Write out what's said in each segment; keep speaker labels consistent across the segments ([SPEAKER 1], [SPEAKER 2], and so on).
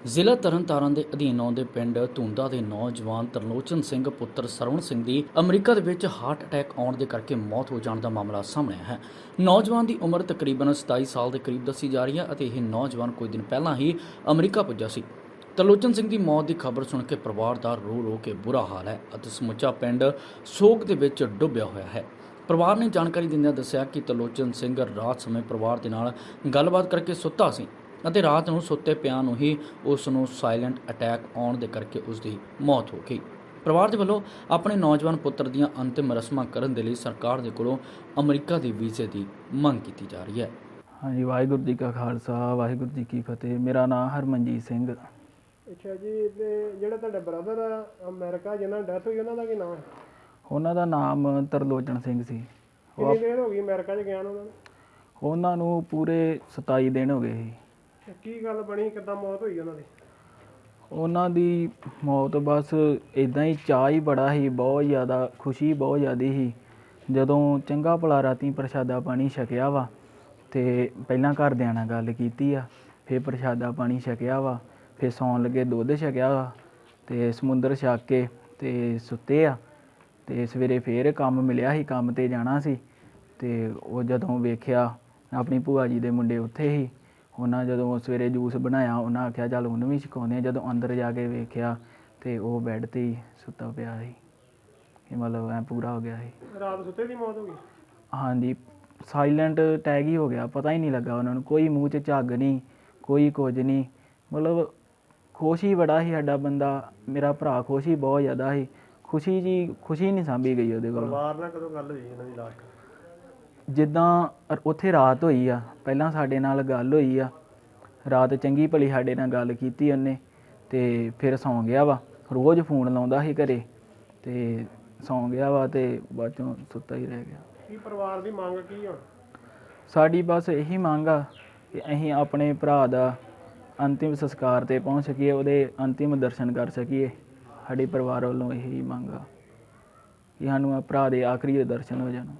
[SPEAKER 1] ਜ਼ਿਲ੍ਹਾ ਤਰਨਤਾਰਨ ਦੇ ਅਧੀਨ ਆਉਂਦੇ ਪਿੰਡ ਧੁੰਦਾ ਦੇ ਨੌਜਵਾਨ ਤਰਲੋਚਨ ਸਿੰਘ ਪੁੱਤਰ ਸਰਵਣ ਸਿੰਘ ਦੀ ਅਮਰੀਕਾ ਦੇ ਵਿੱਚ ਹਾਰਟ ਅਟੈਕ ਆਉਣ ਦੇ ਕਰਕੇ ਮੌਤ ਹੋ ਜਾਣ ਦਾ ਮਾਮਲਾ ਸਾਹਮਣੇ ਆਇਆ ਹੈ। ਨੌਜਵਾਨ ਦੀ ਉਮਰ ਤਕਰੀਬਨ 27 ਸਾਲ ਦੇ ਕਰੀਬ ਦੱਸੀ ਜਾ ਰਹੀ ਹੈ ਅਤੇ ਇਹ ਨੌਜਵਾਨ ਕੁਝ ਦਿਨ ਪਹਿਲਾਂ ਹੀ ਅਮਰੀਕਾ ਪੁੱਜਾ ਸੀ। ਤਰਲੋਚਨ ਸਿੰਘ ਦੀ ਮੌਤ ਦੀ ਖਬਰ ਸੁਣ ਕੇ ਪਰਿਵਾਰ ਦਾ ਰੋ ਕੇ ਬੁਰਾ ਹਾਲ ਹੈ ਅਤੇ ਸਮੁੱਚਾ ਪਿੰਡ ਸੋਗ ਦੇ ਵਿੱਚ ਡੁੱਬਿਆ ਹੋਇਆ ਹੈ। ਪਰਿਵਾਰ ਨੇ ਜਾਣਕਾਰੀ ਦਿੰਦਿਆਂ ਦੱਸਿਆ ਕਿ ਤਰਲੋਚਨ ਸਿੰਘ ਰਾਤ ਸਮੇਂ ਪਰਿਵਾਰ ਦੇ ਨਾਲ ਗੱਲਬਾਤ ਕਰਕੇ ਸੁੱਤਾ ਸੀ ਅਤੇ ਰਾਤ ਨੂੰ ਸੁੱਤੇ ਪਿਆਂ ਨੂੰ ਹੀ ਉਸ ਨੂੰ ਸਾਇਲੈਂਟ ਅਟੈਕ ਆਉਣ ਦੇ ਕਰਕੇ ਉਸ ਦੀ ਮੌਤ ਹੋ ਗਈ। ਪਰਿਵਾਰ ਦੇ ਵੱਲੋਂ ਆਪਣੇ ਨੌਜਵਾਨ ਪੁੱਤਰ ਦੀਆਂ ਅੰਤਿਮ ਰਸਮਾਂ ਕਰਨ ਦੇ ਲਈ ਸਰਕਾਰ ਦੇ ਕੋਲੋਂ ਅਮਰੀਕਾ ਦੇ ਵੀਜ਼ੇ ਦੀ ਮੰਗ ਕੀਤੀ ਜਾ ਰਹੀ ਹੈ।
[SPEAKER 2] ਹਾਂਜੀ, ਵਾਹਿਗੁਰੂ ਜੀ ਕਾ ਖਾਲਸਾ, ਵਾਹਿਗੁਰੂ ਜੀ ਕੀ ਫਤਿਹ। ਮੇਰਾ ਨਾਮ ਹਰਮਨਜੀਤ ਸਿੰਘ।
[SPEAKER 3] ਅੱਛਾ ਜੀ, ਤੇ ਜਿਹੜਾ ਤੁਹਾਡਾ ਬ੍ਰਦਰ ਆ ਅਮਰੀਕਾ ਜਿਹਨਾਂ ਦੀ ਡੈਥ ਹੋਈ ਉਹਨਾਂ ਦਾ ਕੀ ਨਾਮ ਹੈ?
[SPEAKER 2] ਉਹਨਾਂ ਦਾ ਨਾਮ ਤਰਲੋਚਨ ਸਿੰਘ ਸੀ।
[SPEAKER 3] ਕਿੰਨੀ ਦੇਰ ਹੋ ਗਈ ਅਮਰੀਕਾ 'ਚ ਗਿਆ ਉਹਨਾਂ ਨੂੰ?
[SPEAKER 2] ਉਹਨਾਂ ਨੂੰ ਪੂਰੇ 27 ਦਿਨ ਹੋ ਗਏ ਸੀ।
[SPEAKER 3] ਕੀ ਗੱਲ ਬਣੀ, ਕਿੱਦਾਂ ਮੌਤ ਹੋਈ ਉਹਨਾਂ ਦੀ?
[SPEAKER 2] ਉਹਨਾਂ ਦੀ ਮੌਤ ਬਸ ਇਦਾਂ ਹੀ, ਚਾਅ ਹੀ ਬੜਾ ਸੀ, ਬਹੁਤ ਜ਼ਿਆਦਾ ਖੁਸ਼ੀ ਬਹੁਤ ਜ਼ਿਆਦਾ ਸੀ। ਜਦੋਂ ਚੰਗਾ ਭਲਾ ਰਾਤੀ ਪ੍ਰਸ਼ਾਦਾ ਪਾਣੀ ਛਕਿਆ ਵਾ ਅਤੇ ਪਹਿਲਾਂ ਘਰਦਿਆਂ ਨਾਲ ਗੱਲ ਕੀਤੀ ਆ, ਫਿਰ ਪ੍ਰਸ਼ਾਦਾ ਪਾਣੀ ਛਕਿਆ ਵਾ, ਫਿਰ ਸੌਣ ਲੱਗੇ ਦੁੱਧ ਛਕਿਆ ਵਾ ਅਤੇ ਸਮੁੰਦਰ ਛਕ ਕੇ ਅਤੇ ਸੁੱਤੇ ਆ। ਅਤੇ ਸਵੇਰੇ ਫਿਰ ਕੰਮ ਮਿਲਿਆ ਸੀ, ਕੰਮ 'ਤੇ ਜਾਣਾ ਸੀ ਅਤੇ ਉਹ ਜਦੋਂ ਵੇਖਿਆ ਆਪਣੀ ਭੂਆ ਜੀ ਦੇ ਮੁੰਡੇ ਉੱਥੇ ਸੀ। ਉਹਨਾਂ ਜਦੋਂ ਸਵੇਰੇ ਜੂਸ ਬਣਾਇਆ, ਉਹਨਾਂ ਆਖਿਆ ਚੱਲ ਉਹਨੂੰ ਵੀ ਛਕਾਉਂਦੇ ਆ। ਜਦੋਂ ਅੰਦਰ ਜਾ ਕੇ ਵੇਖਿਆ ਅਤੇ ਉਹ ਬੈੱਡ 'ਤੇ ਹੀ ਸੁੱਤਾ ਪਿਆ ਸੀ। ਇਹ ਮਤਲਬ ਐਂ ਪੂਰਾ ਹੋ ਗਿਆ ਸੀ।
[SPEAKER 3] ਰਾਤ ਸੁੱਤੇ ਦੀ ਮੌਤ ਹੋ ਗਈ?
[SPEAKER 2] ਹਾਂਜੀ, ਸਾਈਲੈਂਟ ਅਟੈਕ ਹੀ ਹੋ ਗਿਆ, ਪਤਾ ਹੀ ਨਹੀਂ ਲੱਗਾ ਉਹਨਾਂ ਨੂੰ। ਕੋਈ ਮੂੰਹ 'ਚ ਝੱਗ ਨਹੀਂ, ਕੋਈ ਕੁਝ ਨਹੀਂ। ਮਤਲਬ ਖੁਸ਼ ਹੀ ਬੜਾ ਸੀ ਸਾਡਾ ਬੰਦਾ, ਮੇਰਾ ਭਰਾ ਖੁਸ਼ ਹੀ ਬਹੁਤ ਜ਼ਿਆਦਾ ਸੀ। ਖੁਸ਼ੀ ਨਹੀਂ ਸਾਂਭੀ ਗਈ ਉਹਦੇ ਕੋਲ।
[SPEAKER 3] ਪਰਿਵਾਰ ਨਾਲ ਕਦੋਂ ਗੱਲ ਹੋਈ ਇਹਨਾਂ ਦੀ ਲਾਸਟ?
[SPEAKER 2] ਜਿੱਦਾਂ ਉੱਥੇ ਰਾਤ ਹੋਈ ਆ, ਪਹਿਲਾਂ ਸਾਡੇ ਨਾਲ ਗੱਲ ਹੋਈ ਆ, ਰਾਤ ਚੰਗੀ ਭਲੀ ਸਾਡੇ ਨਾਲ ਗੱਲ ਕੀਤੀ ਉਹਨੇ ਅਤੇ ਫਿਰ ਸੌਂ ਗਿਆ ਵਾ। ਰੋਜ਼ ਫੋਨ ਲਾਉਂਦਾ ਸੀ ਘਰੇ ਅਤੇ ਸੌਂ ਗਿਆ ਵਾ ਅਤੇ ਬਾਅਦ 'ਚੋਂ ਸੁੱਤਾ ਹੀ ਰਹਿ ਗਿਆ।
[SPEAKER 3] ਕੀ ਪਰਿਵਾਰ ਦੀ ਮੰਗ ਕੀ ਹੁਣ?
[SPEAKER 2] ਸਾਡੀ ਬਸ ਇਹੀ ਮੰਗ ਆ ਕਿ ਅਸੀਂ ਆਪਣੇ ਭਰਾ ਦਾ ਅੰਤਿਮ ਸੰਸਕਾਰ 'ਤੇ ਪਹੁੰਚ ਸਕੀਏ, ਉਹਦੇ ਅੰਤਿਮ ਦਰਸ਼ਨ ਕਰ ਸਕੀਏ। ਸਾਡੇ ਪਰਿਵਾਰ ਵੱਲੋਂ ਇਹੀ ਮੰਗ ਆ ਕਿ ਸਾਨੂੰ ਭਰਾ ਦੇ ਆਖਰੀ ਦਰਸ਼ਨ ਹੋ ਜਾਣ।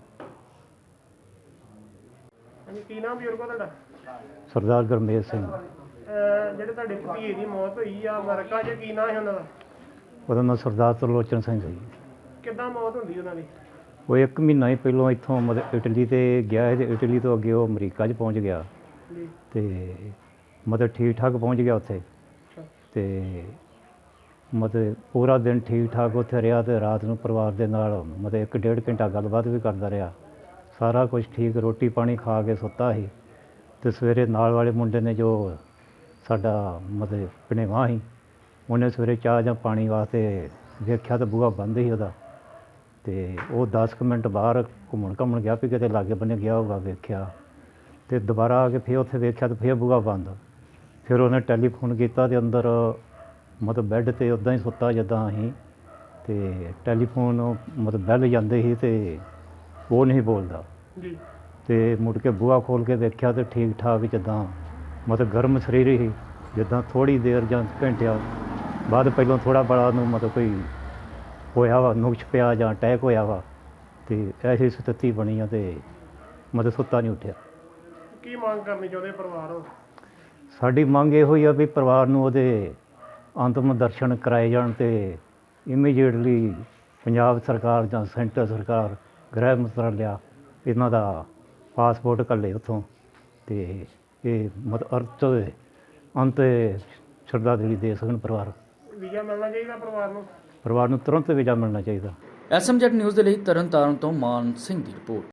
[SPEAKER 3] ਕੀ ਨਾਮ ਬਜ਼ੁਰਗੋ ਤੁਹਾਡਾ?
[SPEAKER 4] ਸਰਦਾਰ ਗੁਰਮੇਜ ਸਿੰਘ।
[SPEAKER 3] ਜਿਹੜੇ ਤੁਹਾਡੇ ਭਤੀਜੇ ਦੀ ਮੌਤ ਹੋਈ ਆ ਅਮਰੀਕਾ 'ਚ, ਕੀ ਨਾਮ ਹੈ ਉਹਨਾਂ ਦਾ?
[SPEAKER 4] ਉਹਦਾ ਨਾਂ ਸਰਦਾਰ ਤਰਲੋਚਨ ਸਿੰਘ ਸੀ।
[SPEAKER 3] ਕਿੱਦਾਂ ਮੌਤ ਹੁੰਦੀ ਉਹਨਾਂ ਦੀ?
[SPEAKER 4] ਉਹ 1 ਮਹੀਨਾ ਹੀ ਪਹਿਲਾਂ ਇੱਥੋਂ ਮਤਲਬ ਇਟਲੀ 'ਤੇ ਗਿਆ ਹੈ ਅਤੇ ਇਟਲੀ ਤੋਂ ਅੱਗੇ ਉਹ ਅਮਰੀਕਾ 'ਚ ਪਹੁੰਚ ਗਿਆ
[SPEAKER 3] ਜੀ।
[SPEAKER 4] ਅਤੇ ਮਤਲਬ ਠੀਕ ਠਾਕ ਪਹੁੰਚ ਗਿਆ ਉੱਥੇ ਅਤੇ ਮਤਲਬ ਪੂਰਾ ਦਿਨ ਠੀਕ ਠਾਕ ਉੱਥੇ ਰਿਹਾ ਅਤੇ ਰਾਤ ਨੂੰ ਪਰਿਵਾਰ ਦੇ ਨਾਲ ਮਤਲਬ 1-1.5 ਘੰਟਾ ਗੱਲਬਾਤ ਵੀ ਕਰਦਾ ਰਿਹਾ। ਸਾਰਾ ਕੁਝ ਠੀਕ, ਰੋਟੀ ਪਾਣੀ ਖਾ ਕੇ ਸੁੱਤਾ ਸੀ ਅਤੇ ਸਵੇਰੇ ਨਾਲ ਵਾਲੇ ਮੁੰਡੇ ਨੇ ਜੋ ਸਾਡਾ ਮਤਲਬ ਭਣੇਵਾਂ ਸੀ, ਉਹਨੇ ਸਵੇਰੇ ਚਾਹ ਜਾਂ ਪਾਣੀ ਵਾਸਤੇ ਵੇਖਿਆ ਤਾਂ ਬੂਹਾ ਬੰਦ ਸੀ ਉਹਦਾ। ਅਤੇ ਉਹ 10 ਕੁ ਮਿੰਟ ਬਾਹਰ ਘੁੰਮਣ ਗਿਆ ਵੀ ਕਿਤੇ ਲਾਗੇ ਬੰਨੇ ਗਿਆ ਹੋਊਗਾ, ਵੇਖਿਆ ਅਤੇ ਦੁਬਾਰਾ ਆ ਕੇ ਫਿਰ ਉੱਥੇ ਵੇਖਿਆ ਤਾਂ ਫਿਰ ਬੂਹਾ ਬੰਦ। ਫਿਰ ਉਹਨੇ ਟੈਲੀਫੋਨ ਕੀਤਾ ਅਤੇ ਅੰਦਰ ਮਤਲਬ ਬੈੱਡ 'ਤੇ ਉੱਦਾਂ ਹੀ ਸੁੱਤਾ ਜਿੱਦਾਂ ਅਸੀਂ, ਅਤੇ ਟੈਲੀਫੋਨ ਮਤਲਬ ਬੈਲ ਜਾਂਦੇ ਸੀ ਅਤੇ ਉਹ ਨਹੀਂ ਬੋਲਦਾ
[SPEAKER 3] ਜੀ।
[SPEAKER 4] ਅਤੇ ਮੁੜ ਕੇ ਬੂਹਾ ਖੋਲ੍ਹ ਕੇ ਵੇਖਿਆ ਤਾਂ ਠੀਕ ਠਾਕ ਜਿੱਦਾਂ ਮਤਲਬ ਗਰਮ ਸਰੀਰ ਹੀ, ਜਿੱਦਾਂ ਥੋੜ੍ਹੀ ਦੇਰ ਜਾਂ ਘੰਟਿਆਂ ਬਾਅਦ ਪਹਿਲਾਂ ਥੋੜ੍ਹਾ ਬੜਾ ਨੂੰ ਮਤਲਬ ਕੋਈ ਹੋਇਆ ਵਾ, ਨੁਕਸ ਪਿਆ ਜਾਂ ਅਟੈਕ ਹੋਇਆ ਵਾ ਅਤੇ ਐਸੀ ਸਥਿਤੀ ਬਣੀ ਆ ਅਤੇ ਮਤਲਬ ਸੁੱਤਾ ਨਹੀਂ ਉੱਠਿਆ।
[SPEAKER 3] ਕੀ ਮੰਗ ਕਰਨੀ ਚਾਹੁੰਦੇ ਪਰਿਵਾਰ ਹੁਣ?
[SPEAKER 4] ਸਾਡੀ ਮੰਗ ਇਹੋ ਹੀ ਆ ਵੀ ਪਰਿਵਾਰ ਨੂੰ ਉਹਦੇ ਅੰਤਿਮ ਦਰਸ਼ਨ ਕਰਾਏ ਜਾਣ ਅਤੇ ਇਮੀਡੀਏਟਲੀ ਪੰਜਾਬ ਸਰਕਾਰ ਜਾਂ ਸੈਂਟਰ ਸਰਕਾਰ ਗ੍ਰਹਿ ਮੰਤਰਾਲਿਆ ਇਹਨਾਂ ਦਾ ਪਾਸਪੋਰਟ ਘੱਲੇ ਉੱਥੋਂ ਅਤੇ ਇਹ ਮਤਲਬ ਅੰਤ ਸ਼ਰਧਾਂਜਲੀ ਦੇ ਸਕਣ।
[SPEAKER 3] ਵੀਜ਼ਾ ਮਿਲਣਾ ਚਾਹੀਦਾ
[SPEAKER 4] ਪਰਿਵਾਰ ਨੂੰ ਤੁਰੰਤ ਵੀਜ਼ਾ ਮਿਲਣਾ ਚਾਹੀਦਾ।
[SPEAKER 1] SMZ ਨਿਊਜ਼ ਦੇ ਲਈ ਤਰਨਤਾਰਨ ਤੋਂ ਮਾਨ ਸਿੰਘ ਦੀ ਰਿਪੋਰਟ।